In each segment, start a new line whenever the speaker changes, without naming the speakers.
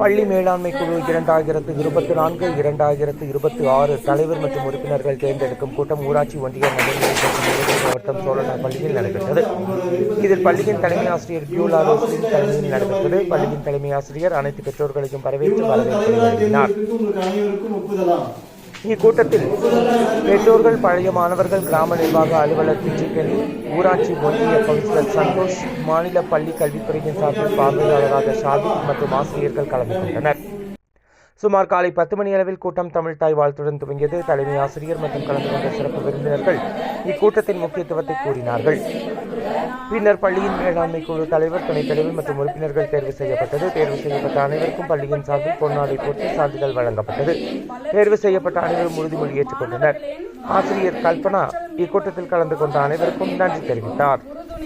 பள்ளி மேலாண்மை குழு 2024 2026 தலைவர் மற்றும் உறுப்பினர்கள் தேர்ந்தெடுக்கும் கூட்டம் ஊராட்சி ஒன்றிய நகர்நிலை மாவட்டம் சோழனார் பள்ளியில் நடைபெற்றது. இதில் பள்ளியின் தலைமை ஆசிரியர் பியூலா ரோஸ்லின் தலைமையில் நடைபெற்றது. பள்ளியின் தலைமை ஆசிரியர் அனைத்து பெற்றோர்களையும் வரவேற்று வரவேற்பு வழங்கினார். இக்கூட்டத்தில் பெற்றோர்கள், பழைய மாணவர்கள், கிராம நிர்வாக அலுவலர் பிஜிகனி, ஊராட்சி ஒன்றிய கவுன்சிலர் சந்தோஷ், மாநில பள்ளி கல்வித்துறையின் சார்பில் பார்வையாளராக ஷாதிக் மற்றும் ஆசிரியர்கள் கலந்து கொண்டனர். சுமார் காலை 10 மணி அளவில் கூட்டம் தமிழ் தாய் வாழ்த்துடன் துவங்கியது. தலைமை ஆசிரியர் மற்றும் கலந்து கொண்ட சிறப்பு விருந்தினர்கள் இக்கூட்டத்தின் முக்கியத்துவத்தை கூறினார்கள். பின்னர் பள்ளியின் மேலாண்மை குழு தலைவர், துணைத் தலைவர் மற்றும் உறுப்பினர்கள் தேர்வு செய்யப்பட்டது. தேர்வு செய்யப்பட்ட அனைவருக்கும் பள்ளியின் சார்பில் பொன்னாடை போட்டு சான்றிதழ் வழங்கப்பட்டது. தேர்வு செய்யப்பட்ட அனைவரும் உறுதிமொழி ஏற்றுக்கொண்டனர். ஆசிரியர் கல்பனா இக்கூட்டத்தில் கலந்து கொண்ட அனைவருக்கும் நன்றி தெரிவித்தார்.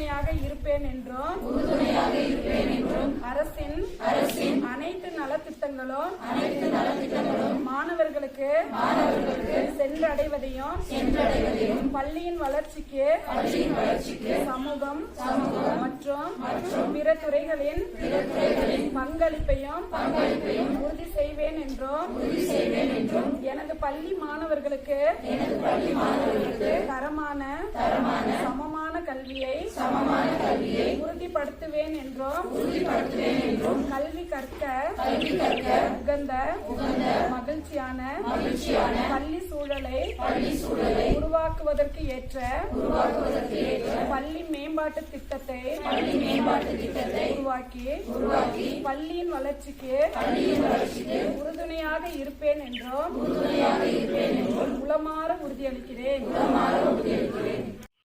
அரசின் அனைத்து நலத்திட்டங்களும் மாணவர்களுக்கு சென்றடைவதையும் பள்ளியின் வளர்ச்சிக்கு சமூகம் மற்றும் பிற துறைகளின் பங்களிப்பையும் உறுதி செய்வேன் என்றும் எனது பள்ளி மாணவர்களுக்கு தரமான சமமான கல்வியை உறுதிப்படுத்துவேன் என்றும் கல்வி கற்க உகந்த மகிழ்ச்சியான பள்ளி சூழலை உருவாக்குவதற்கு ஏற்ற பள்ளி மேம்பாட்டு திட்டத்தை உருவாக்கி பள்ளியின் வளர்ச்சிக்கு உறுதுணையாக இருப்பேன் என்றும் உளமாற உறுதியளிக்கிறேன்.